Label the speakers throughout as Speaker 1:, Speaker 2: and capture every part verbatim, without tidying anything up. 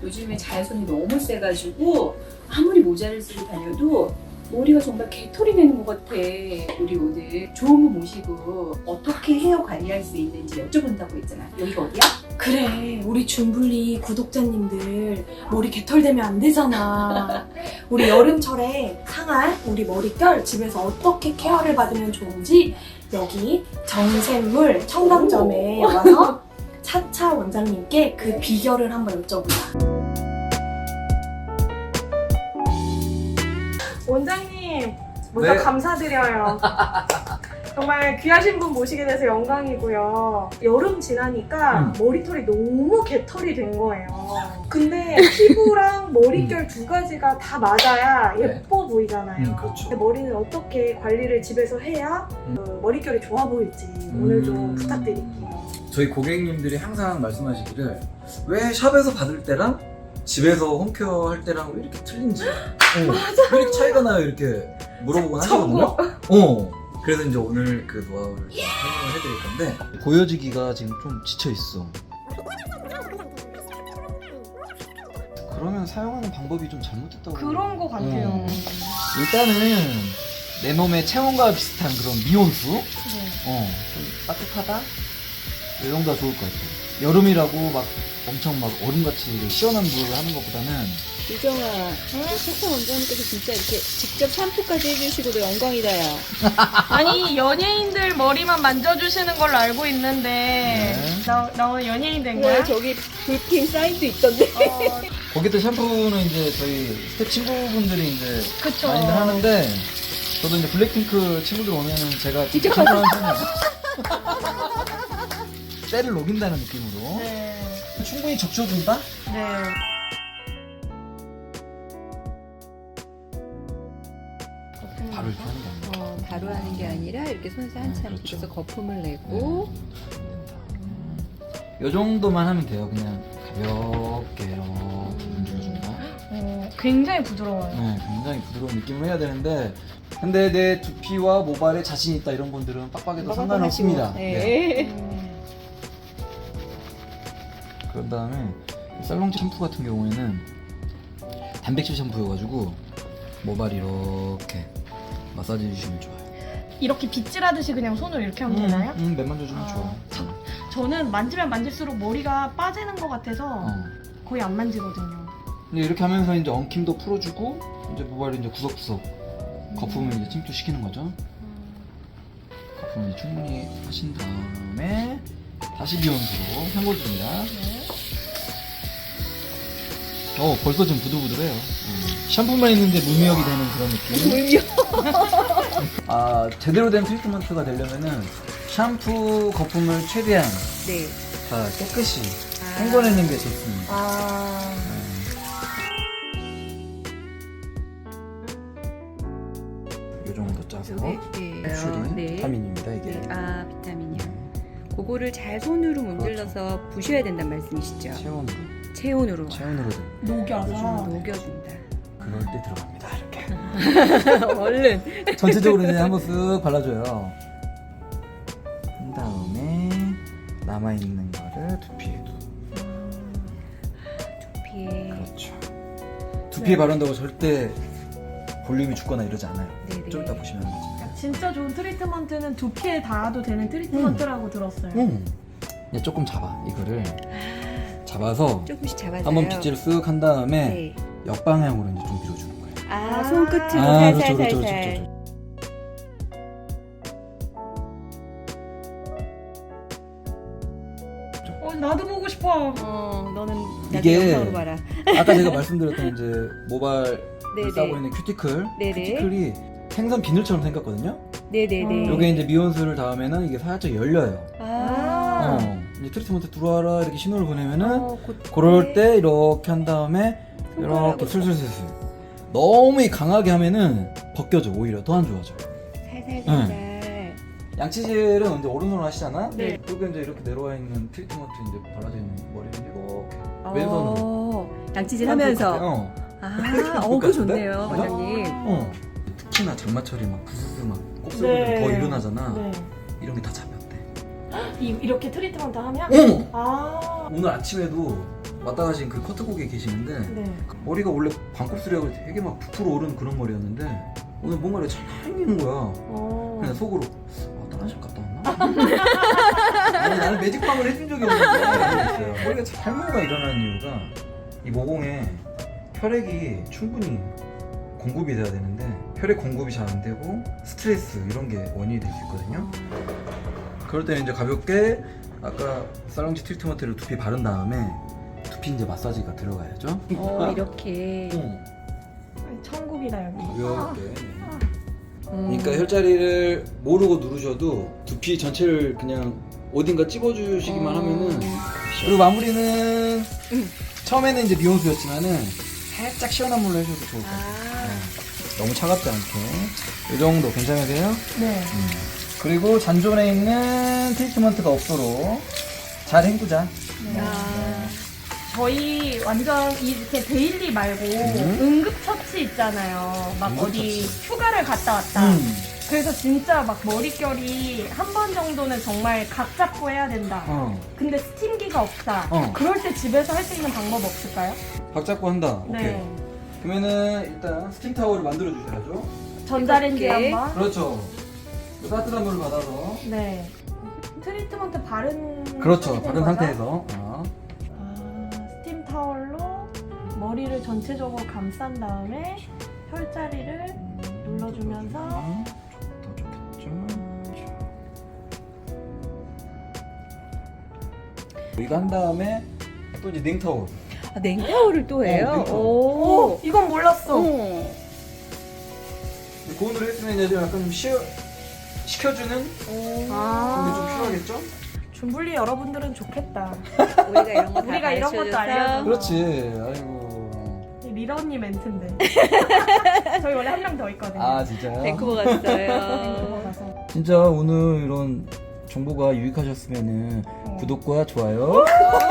Speaker 1: 요즘에 자외선이 너무 세가지고 아무리 모자를 쓰고 다녀도 머리가 정말 개털이 되는 것 같아. 우리 오늘 좋은 분 모시고 어떻게 헤어 관리할 수 있는지 여쭤본다고 했잖아. 여기가 어디야?
Speaker 2: 그래, 우리 준블리 구독자님들 머리 개털되면 안 되잖아. 우리 여름철에 상할 우리 머릿결 집에서 어떻게 케어를 받으면 좋은지 여기 정샘물 청담점에 와서 차차 원장님께 그 비결을 한번 여쭤보자. 원장님, 먼저
Speaker 3: 네.
Speaker 2: 감사드려요. 정말 귀하신 분 모시게 돼서 영광이고요. 여름 지나니까
Speaker 3: 음.
Speaker 2: 머리털이 너무 개털이 된 거예요. 근데 피부랑 머릿결 두 가지가 다 맞아야
Speaker 3: 네.
Speaker 2: 예뻐 보이잖아요.
Speaker 3: 음, 그렇죠.
Speaker 2: 근데 머리는 어떻게 관리를 집에서 해야
Speaker 3: 음.
Speaker 2: 그 머릿결이 좋아 보일지 오늘 좀
Speaker 3: 음.
Speaker 2: 부탁드릴게요.
Speaker 3: 저희 고객님들이 항상 말씀하시기를 왜 샵에서 받을 때랑 집에서 홈케어 할 때랑 왜 이렇게 틀린지 맞아. 왜 이렇게 차이가 나요? 이렇게 물어보곤 하시거든요. 어. 그래서 이제 오늘 그 노하우를 좀 설명을 해드릴 건데 보여지기가 지금 좀 지쳐있어. 그러면 사용하는 방법이 좀 잘못됐다고.
Speaker 2: 그런 거 같아요.
Speaker 3: 음. 일단은 내 몸의 체온과 비슷한 그런 미온수
Speaker 2: 네.
Speaker 3: 어, 좀 따뜻하다? 이 정도가 좋을 것 같아요. 여름이라고 막 엄청 막 얼음같이 시원한 물을 하는 것보다는
Speaker 4: 유정아, 차차 원장님께서 진짜 이렇게 직접 샴푸까지 해주시고도 영광이다, 야.
Speaker 2: 아니 연예인들 머리만 만져주시는 걸로 알고 있는데
Speaker 3: 네.
Speaker 2: 나, 나 오늘 연예인 된
Speaker 4: 그래,
Speaker 2: 거야?
Speaker 4: 저기 불핑 사인도 있던데.
Speaker 2: 어,
Speaker 3: 거기도 샴푸는 이제 저희 스텝 친구분들이 이제
Speaker 2: 그쵸.
Speaker 3: 많이들 하는데 저도 이제 블랙핑크 친구들 오면은 제가
Speaker 4: 직접
Speaker 3: 샴푸하는 편이에요. 때를 녹인다는 느낌으로
Speaker 2: 네.
Speaker 3: 충분히 적셔준다?
Speaker 2: 네.
Speaker 3: 바로 이렇게 하는 게 아니라
Speaker 4: 어, 바로 하는 게 아니라 이렇게 손에서 한참
Speaker 3: 음, 그렇죠.
Speaker 4: 그래서 거품을 내고.
Speaker 3: 이 정도만 하면 돼요. 그냥 가볍게 이렇게 문질러준다.
Speaker 2: 어, 굉장히 부드러워요.
Speaker 3: 네, 굉장히 부드러운 느낌을 해야 되는데 근데 내 두피와 모발에 자신 있다 이런 분들은 빡빡해도 상관없습니다. 네.
Speaker 4: 네.
Speaker 2: 음.
Speaker 3: 그런 다음에 살롱 샴푸 같은 경우에는 단백질 샴푸여가지고 모발 이렇게 마사지 해주시면 좋아요.
Speaker 2: 이렇게 빗질하듯이 그냥 손으로 이렇게 하면 되나요?
Speaker 3: 음, 음, 맨만 줘주면
Speaker 2: 아,
Speaker 3: 좋아요.
Speaker 2: 저- 저는 만지면 만질수록 머리가 빠지는 것 같아서
Speaker 3: 어.
Speaker 2: 거의 안 만지거든요.
Speaker 3: 근데 이렇게 하면서 이제 엉킴도 풀어주고 이제 모발을 이제 구석구석 거품을 이제 침투시키는 거죠. 거품을 이제 충분히 하신 다음에 다시 미온수로 헹궈줍니다.
Speaker 2: 네.
Speaker 3: 어 벌써 좀 부들부들해요. 음. 샴푸만 있는데 무미역이 되는 그런 느낌. 아 제대로 된 트리트먼트가 되려면은 샴푸 거품을 최대한
Speaker 4: 네.
Speaker 3: 다 깨끗이
Speaker 4: 아.
Speaker 3: 헹궈내는 게 좋습니다.
Speaker 2: 아,
Speaker 3: 이 정도 짜서
Speaker 4: 요게, 네.
Speaker 3: 슈리
Speaker 4: 네.
Speaker 3: 비타민입니다 이게.
Speaker 4: 네. 아, 비타민이요. 그거를 잘 손으로 문질러서 부셔야 된다는 말씀이시죠?
Speaker 3: 체온으로
Speaker 4: 체온으로.
Speaker 3: 체온으로
Speaker 2: 녹여서.
Speaker 4: 녹여준다.
Speaker 3: 그럴 때 들어갑니다 이렇게.
Speaker 4: 얼른.
Speaker 3: 전체적으로 이제 한번 쓱 발라줘요. 한 다음에 남아있는 거를 두피에도.
Speaker 4: 두피에.
Speaker 3: 그렇죠. 두피에 바른다고 절대 볼륨이 죽거나 이러지 않아요.
Speaker 4: 네네.
Speaker 3: 좀 이따 보시면 알죠.
Speaker 2: 진짜 좋은 트리트먼트는 두피에 닿아도 되는 트리트먼트라고 들었어요.
Speaker 3: 음. 이제 조금 잡아 이거를 잡아서
Speaker 4: 조금씩 잡아서요.
Speaker 3: 한번 빗질을 쓱 한 다음에
Speaker 4: 네.
Speaker 3: 역방향으로 이제 좀 밀어주는 거예요.
Speaker 4: 아, 손끝으로
Speaker 3: 아, 그렇죠,
Speaker 4: 살살
Speaker 3: 그렇죠,
Speaker 4: 살살.
Speaker 3: 그렇죠,
Speaker 2: 어, 나도 보고 싶어.
Speaker 4: 어, 너는 나중에
Speaker 3: 이게-
Speaker 4: 영상으로 봐라.
Speaker 3: 아까 제가 말씀드렸던 이제 모발
Speaker 4: 네네.
Speaker 3: 싸고 있는 큐티클,
Speaker 4: 네네.
Speaker 3: 큐티클이 생선 비늘처럼 생겼거든요.
Speaker 4: 네네네.
Speaker 2: 어.
Speaker 3: 요게 이제 미온수를 닿으면은 이게 살짝 열려요.
Speaker 4: 아.
Speaker 3: 어, 이제 트리트먼트 들어와라 이렇게 신호를 보내면은
Speaker 4: 어, 곧-
Speaker 3: 그럴 때 이렇게 한 다음에 이렇게
Speaker 4: 손가락으로.
Speaker 3: 슬슬슬슬. 너무 강하게 하면은 벗겨져 오히려 더 안 좋아져.
Speaker 4: 살살살살.
Speaker 3: 양치질은 이제 오른손으로 하시잖아.
Speaker 2: 네.
Speaker 3: 그리고 이제 이렇게 내려와 있는 트리트먼트 이제 발라져 있는 머리를 이렇게
Speaker 4: 어,
Speaker 3: 왼손으로.
Speaker 4: 양치질 하면서.
Speaker 3: 어.
Speaker 4: 아,
Speaker 3: 그럴
Speaker 4: 어,
Speaker 3: 것
Speaker 4: 그
Speaker 3: 같은데?
Speaker 4: 좋네요,
Speaker 3: 어?
Speaker 4: 원장님.
Speaker 3: 어. 특히나 장마철이 막 부스스 막 곱슬
Speaker 2: 네.
Speaker 3: 더 일어나잖아.
Speaker 2: 네.
Speaker 3: 이런 게 다 잡혔대.
Speaker 2: 이, 이렇게 트리트먼트 하면?
Speaker 3: 어머!
Speaker 2: 아,
Speaker 3: 오늘 아침에도 왔다 가신 그 커트곡에 계시는데
Speaker 2: 네.
Speaker 3: 머리가 원래 반곱슬이라고 되게 막 부풀어 오르는 그런 머리였는데 오늘 뭔가 이렇게 잘 생기는 거야.
Speaker 2: 어.
Speaker 3: 그냥 속으로 아, 다른 샵 갔다 왔나? 아니 나는 매직방을 해준 적이 없는데 머리가 잘모가 일어나는 이유가 이 모공에 혈액이 충분히 공급이 돼야 되는데 혈액 공급이 잘 안 되고 스트레스 이런 게 원인이 될 수 있거든요. 그럴 때는 이제 가볍게 아까 살롱지 트리트먼트를 두피 바른 다음에 두피 이제 마사지가 들어가야죠.
Speaker 4: 어, 이렇게.
Speaker 3: 응.
Speaker 2: 천국이다 여기.
Speaker 3: 가볍게.
Speaker 4: 음.
Speaker 3: 그러니까 혈자리를 모르고 누르셔도 두피 전체를 그냥 어딘가 찝어주시기만
Speaker 4: 어.
Speaker 3: 하면은. 그리고 마무리는 처음에는 이제 미온수였지만은 살짝 시원한 물로 해줘도 좋을 것 같아요.
Speaker 4: 아.
Speaker 3: 네. 너무 차갑지 않게 이 정도 괜찮으세요?
Speaker 2: 네.
Speaker 3: 음. 그리고 잔존에 있는 트리트먼트가 없도록 잘 헹구자.
Speaker 2: 네.
Speaker 4: 아.
Speaker 2: 저희 완전 이렇게 데일리 말고
Speaker 3: 음.
Speaker 2: 응급처치 있잖아요. 막 어디
Speaker 3: 응급처치.
Speaker 2: 휴가를 갔다 왔다.
Speaker 3: 음.
Speaker 2: 그래서 진짜 막 머릿결이 한 번 정도는 정말 각 잡고 해야 된다.
Speaker 3: 어.
Speaker 2: 근데 스팀기가 없다.
Speaker 3: 어.
Speaker 2: 그럴 때 집에서 할 수 있는 방법 없을까요?
Speaker 3: 각 잡고 한다. 오케이.
Speaker 2: 네.
Speaker 3: 그러면은 일단 스팀 타월을 만들어 주셔야죠.
Speaker 2: 전자레인지
Speaker 4: 이렇게.
Speaker 2: 한번.
Speaker 3: 그렇죠. 따뜻한 물을 받아서.
Speaker 2: 네. 트리트먼트 바른
Speaker 3: 그렇죠.
Speaker 2: 상태인
Speaker 3: 바른
Speaker 2: 거죠?
Speaker 3: 상태에서. 어.
Speaker 2: 아, 스팀 타월로 머리를 전체적으로 감싼 다음에 혈자리를 눌러주면서
Speaker 3: 더 좋겠죠. 이거 한 다음에 또 이제 냉타월.
Speaker 4: 아, 냉타올을 또 해요?
Speaker 3: 어, 냉타올.
Speaker 2: 오, 이건 몰랐어.
Speaker 4: 어.
Speaker 3: 고온으로 했으면 이제 약간 좀 쉬어, 식혀주는 그런 게 좀
Speaker 2: 아,
Speaker 3: 필요하겠죠?
Speaker 2: 준블리 여러분들은 좋겠다.
Speaker 4: 우리가 이런 거다
Speaker 2: 우리가 이런 것도 알려줘.
Speaker 3: 그렇지. 아이고.
Speaker 2: 이 리더 언니 멘트인데. 저희 원래 한 명 더 있거든요.
Speaker 3: 아 진짜요?
Speaker 4: 밴쿠버
Speaker 2: 밴쿠버
Speaker 4: 갔어요.
Speaker 2: 가서.
Speaker 3: 진짜 오늘 이런 정보가 유익하셨으면은
Speaker 2: 어.
Speaker 3: 구독과 좋아요.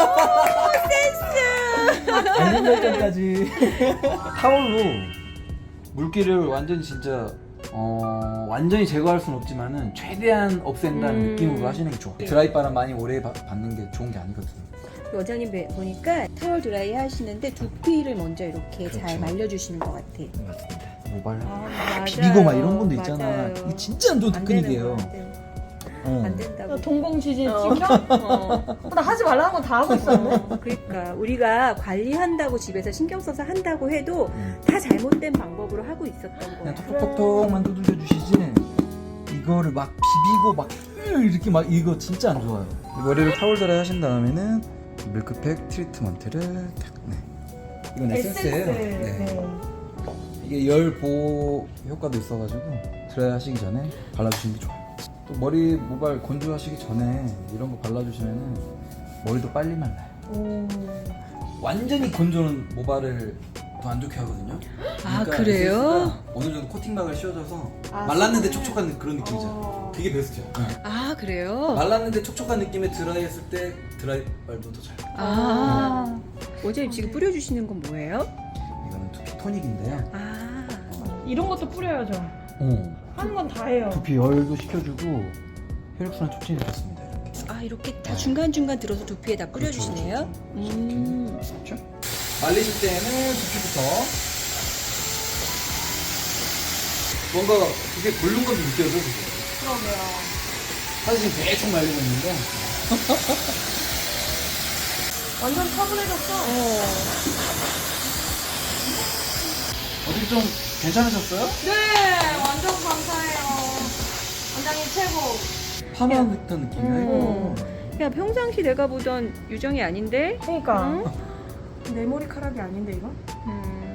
Speaker 3: 알림 설정까지. 타올로 물기를 완전히 진짜 어 완전히 제거할 수는 없지만은 최대한 없앤다는
Speaker 4: 음.
Speaker 3: 느낌으로 하시는 게 좋아. 드라이 바람 많이 오래 바- 받는 게 좋은 게 아니거든요.
Speaker 4: 원장님 배- 보니까 타월 드라이 하시는데 두피를 먼저 이렇게 잘
Speaker 3: 그렇죠.
Speaker 4: 말려주시는 것 같아.
Speaker 3: 맞습니다. 모발
Speaker 4: 아, 맞아요.
Speaker 3: 비비고 막 이런 분도 있잖아.
Speaker 4: 맞아요.
Speaker 3: 이게 진짜 안 좋은
Speaker 4: 안 되는
Speaker 3: 테크닉이에요.
Speaker 4: 거, 안 되는 거.
Speaker 3: 어.
Speaker 4: 안 된다고.
Speaker 2: 동공지진
Speaker 4: 어.
Speaker 2: 찍혀?
Speaker 4: 어.
Speaker 2: 나 하지 말라는 건 다 하고 있어.
Speaker 4: 어, 그러니까 우리가 관리한다고 집에서 신경 써서 한다고 해도
Speaker 3: 음.
Speaker 4: 다 잘못된 방법으로 하고 있었던
Speaker 3: 그냥
Speaker 4: 거야.
Speaker 3: 톡톡톡톡만 두들겨 주시지 이거를 막 비비고 막 이렇게 막 이거 진짜 안 좋아요. 머리를 타월 드라이 하신 다음에는 밀크팩 트리트먼트를 탁. 네. 이건 에센스예요.
Speaker 2: 에센스. 네.
Speaker 3: 이게 열 보호 효과도 있어가지고 드라이 하시기 전에 발라주시는 게 좋아요. 또 머리 모발 건조하시기 전에 이런 거 발라주시면은 머리도 빨리 말라요.
Speaker 2: 오.
Speaker 3: 완전히 건조는 모발을 더 안 좋게 하거든요.
Speaker 4: 아,
Speaker 3: 그러니까
Speaker 4: 그래요?
Speaker 3: 에센스가 어느 정도 코팅막을 씌워줘서
Speaker 2: 아,
Speaker 3: 말랐는데
Speaker 2: 수분을-
Speaker 3: 촉촉한 그런 느낌이죠.
Speaker 2: 어.
Speaker 3: 그게 베스트야.
Speaker 4: 아, 그래요?
Speaker 3: 말랐는데 촉촉한 느낌의 드라이 했을 때 드라이 발도 더 잘.
Speaker 4: 아, 원장님 지금 뿌려주시는 건 뭐예요?
Speaker 3: 이거는 두피 토닉인데요.
Speaker 4: 아,
Speaker 2: 이런 것도 뿌려야죠.
Speaker 3: 어.
Speaker 2: 하는 건 다 해요.
Speaker 3: 두피 열도 식혀주고 혈액순환 촉진이 좋습니다. 이렇게.
Speaker 4: 아 이렇게 다 중간중간 들어서 두피에다 뿌려주시네요?
Speaker 3: 그렇죠, 그렇죠.
Speaker 4: 음.
Speaker 3: 그렇죠? 말리실 때는 두피부터 뭔가 그게 고른 건지 느껴져. 그죠?
Speaker 2: 그러게요.
Speaker 3: 사실 지금 대충 말리고 있는데
Speaker 2: 완전 차분해졌어.
Speaker 3: 어떻게 좀 괜찮으셨어요?
Speaker 2: 네, 완전 감사해요. 원장님 최고.
Speaker 3: 파마 같은 느낌이야 이거.
Speaker 4: 야 평상시 내가 보던 유정이 아닌데?
Speaker 2: 그러니까
Speaker 4: 응?
Speaker 2: 내 머리카락이 아닌데 이거?
Speaker 4: 음.